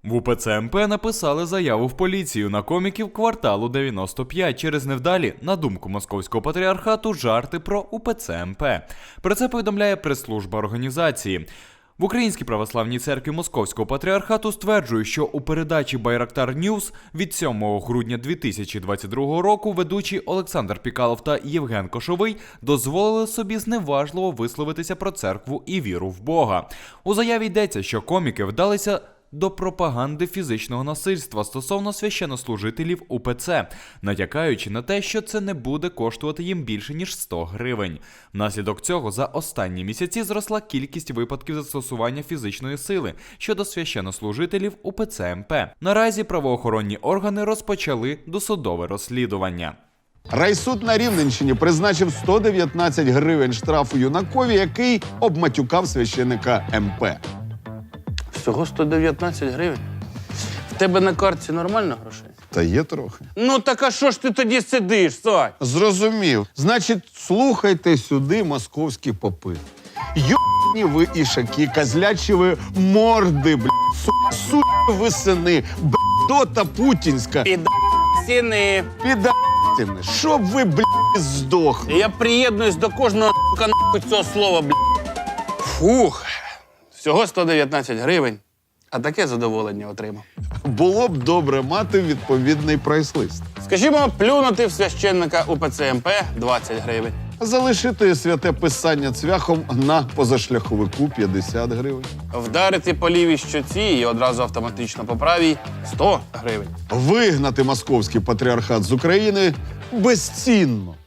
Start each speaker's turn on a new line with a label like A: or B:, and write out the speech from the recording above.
A: В УПЦ МП написали заяву в поліцію на коміків кварталу 95 через невдалі, на думку Московського патріархату, жарти про УПЦ МП. Про це повідомляє прес-служба організації. В Українській православній церкві Московського патріархату стверджують, що у передачі «Байрактар Ньюс» від 7 грудня 2022 року ведучі Олександр Пікалов та Євген Кошовий дозволили собі зневажливо висловитися про церкву і віру в Бога. У заяві йдеться, що коміки вдалися до пропаганди фізичного насильства стосовно священнослужителів УПЦ, натякаючи на те, що це не буде коштувати їм більше, ніж 100 гривень. Внаслідок цього за останні місяці зросла кількість випадків застосування фізичної сили щодо священнослужителів УПЦ МП. Наразі правоохоронні органи розпочали досудове розслідування.
B: Райсуд на Рівненщині призначив 119 гривень штрафу юнакові, який обматюкав священика МП.
C: Всього 119 гривень? В тебе на картці нормально грошей?
B: Та є трохи.
C: Ну так а що ж ти тоді сидиш, Сань?
B: Зрозумів. Значить, слухайте сюди, московські попи. Йобні ви ішаки, козлячі ви морди, суки ви сини, б**дота путінська.
C: Сіни.
B: Піда**тини. Щоб ви, здохли.
C: Я приєднуюсь до кожного нахуй цього слова, Фух. Всього 119 гривень, а таке задоволення отримав.
B: Було б добре мати відповідний прайс-лист.
C: Скажімо, плюнути в священника УПЦ МП 20 гривень.
B: Залишити святе писання цвяхом на позашляховику 50 гривень.
C: Вдарити по лівій щоці і одразу автоматично по правій 100 гривень.
B: Вигнати московський патріархат з України безцінно.